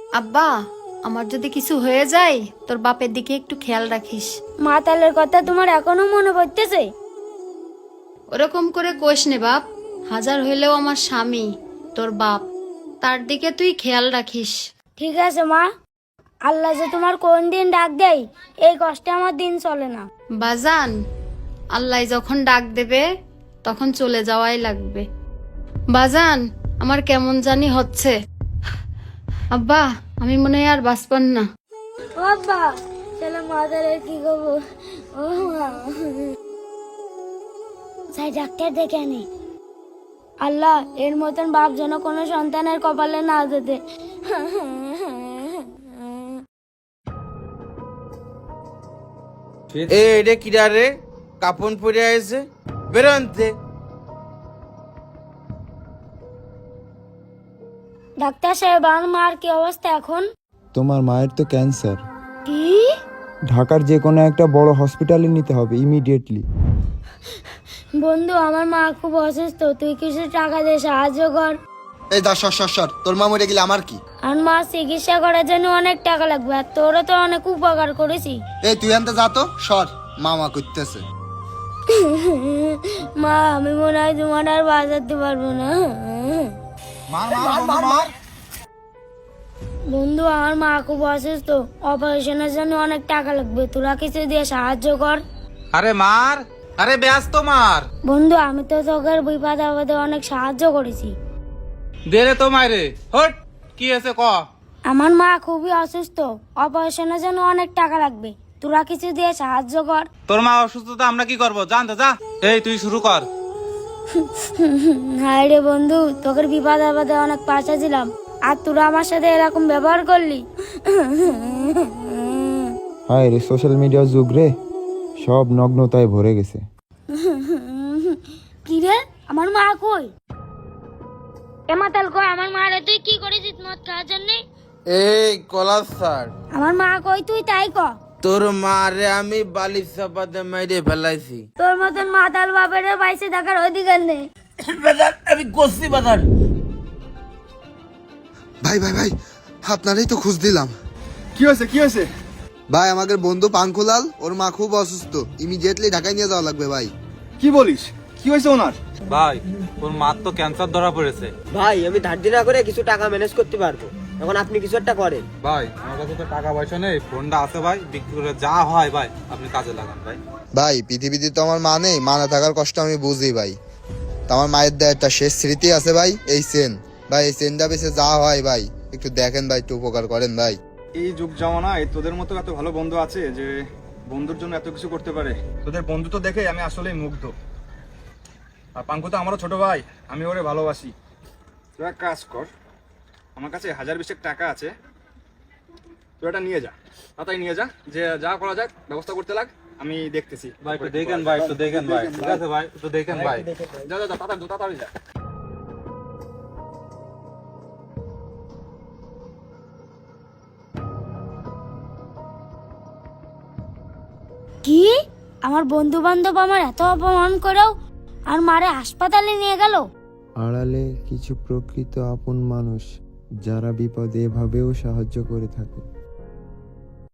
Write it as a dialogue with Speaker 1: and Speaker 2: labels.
Speaker 1: আব্বা, আমার যদি কিছু হয়ে যায় তোর বাপের দিকে একটু খেয়াল রাখিস।
Speaker 2: মাতালের কথা তোমার এখনো মনে পড়তেছে?
Speaker 1: ওরকম করে কোষ নে বাপ, হাজার হইলেও আমার স্বামী, তোর বাপ, তার দিকে তুই খেয়াল রাখিস।
Speaker 2: ঠিক আছে মা, আল্লাহ যে তোমার কোন দিন ডাক দেয় এই কষ্টে আমার দিন চলে না।
Speaker 1: বাজান, আল্লাহ যখন ডাক দেবে তখন চলে যাওয়াই লাগবে। বাজান, আমার কেমন জানি হচ্ছে। আব্বা, আমি মনে হয় আর বাঁচপান না।
Speaker 2: ও আব্বা, চলো মাতালের কি করবো? ও মা, যাই ডাক্তার দেখে আনি। আল্লাহ, এর মতন বাপ যেন কোনো সন্তানের কপালে না যেতে।
Speaker 3: এটা কিরা রে? কাপন পরে আছে, বেরোনতে।
Speaker 2: ডাক্তার সাহেব, আমার মার কি অবস্থা এখন?
Speaker 4: তোমার মায়ের তো ক্যান্সার।
Speaker 2: কি?
Speaker 4: ঢাকার যে কোনো একটা বড় হসপিটালে নিতে হবে ইমিডিয়েটলি।
Speaker 2: বন্ধু, আমার মা খুব অসুস্থ, তুই কিছু টাকা দিয়ে সাহায্য কর।
Speaker 5: এই দা সর, তোর মা মরে গেলে আমার কি?
Speaker 2: আর মা চিকিৎসা করার জন্য অনেক টাকা লাগবে, আর তোরও তো অনেক উপকার করেছি।
Speaker 5: এই তুই আনতে যা তো, সর, মামা করতেছে।
Speaker 2: মা, আমি মনে হয় তোমার আর বাঁচাতে পারবো না। বন্ধু, আমার মা খুব অসুস্থ, অপারেশনের জন্য অনেক টাকা লাগবে, তোরা কিছু দিয়ে সাহায্য কর।
Speaker 3: আরে মার, আরে ব্যস্ত মার।
Speaker 2: বন্ধু, আমি তো তোকে বিপদ আপদে অনেক সাহায্য করেছি।
Speaker 3: দে রে তো মাইরে, হট। কি আছে ক?
Speaker 2: আমার মা খুবই অসুস্থ, অপারেশনের জন্য অনেক টাকা লাগবে, তোরা কিছু দিয়ে সাহায্য কর।
Speaker 3: তোর মা অসুস্থতা আমরা কি করবো, জানতে যা। এই তুই শুরু কর।
Speaker 2: হায় রে বন্ধু, তোকে বিপদ আপদে অনেক পাশে ছিলাম, আর তোরা আমার সাথে এরকম ব্যবহার করলি।
Speaker 4: হায় রে, সোশ্যাল মিডিয়ার যুগ রে, সব নগ্নতায় ভরে গেছে।
Speaker 2: কি রে, আমার মা কই? এমাতাল কই, আমার মা রে তুই কি করেছিস মদ খাওয়ার জন্য?
Speaker 3: এই কলার স্যার,
Speaker 2: আমার মা কই তুই তাই ক।
Speaker 3: তোর মারে আমি বালিশ চাপাতে মেরে ফেলাইছি।
Speaker 2: তোর মতন মাতাল বাপের বাইসে দেখার অধিকার নেই।
Speaker 3: আমি কষি বাজার।
Speaker 5: ভাই, আপনারই তো খোঁজ দিলাম।
Speaker 6: কি হয়েছে?
Speaker 5: ভাই, আমাদের বন্ধু পাঙ্কুলাল, ওর মা খুব অসুস্থ, ইমিডিয়েটলি ঢাকায় নিয়ে যাওয়া লাগবে ভাই।
Speaker 6: কি বলিস? কি হয়েছে ওনার?
Speaker 3: ভাই, ওর মার তো ক্যান্সার ধরা পড়েছে।
Speaker 7: ভাই, আমি ধার দেনা করে কিছু টাকা ম্যানেজ করতে পারবো, এখন আপনি কিছু একটা করেন।
Speaker 3: ভাই, আমার কাছে তো টাকা পয়সা নেই, ফোনটা আছে ভাই, বিক্রি করে যা হয় ভাই আপনি কাজে লাগান ভাই।
Speaker 5: ভাই, পৃথিবীতে তো আমার মা নেই, মা না থাকার কষ্ট আমি বুঝি ভাই। তো আমার মায়ের দেয় একটা শেষ স্মৃতি আছে ভাই, এই চেন ভাই, এই চেনটা বেশি যা হয় ভাই একটু দেখেন ভাই, একটু উপকার করেন ভাই।
Speaker 6: এই যুগ জামানায় তোদের মতো এত ভালো বন্ধু আছে যে বন্ধুর জন্য এত কিছু করতে পারে। তোদের বন্ধুত্ব দেখে আমি আসলেই মুগ্ধ। আর পাঙ্কু তো আমারও ছোট ভাই, আমি ওরে ভালোবাসি। তুই এক কাজ কর, আমার কাছে 1020 টাকা আছে, তুই এটা নিয়ে যা, তাড়াতাড়ি নিয়ে যা, যে যা করা যাক ব্যবস্থা করতে লাগ, আমি দেখতেছি।
Speaker 3: ভাই একটু দেখেন ভাই, একটু দেখেন ভাই, ঠিক আছে ভাই, একটু দেখেন ভাই।
Speaker 6: যা তাড়াতাড়ি যা।
Speaker 2: কি, আমার বন্ধু বান্ধব আমার এত অপমান করেও আর মারে হাসপাতালে নিয়ে গেল?
Speaker 4: আড়ালে কিছু প্রকৃত আপন মানুষ যারা বিপদে এভাবেও সাহায্য করে থাকে।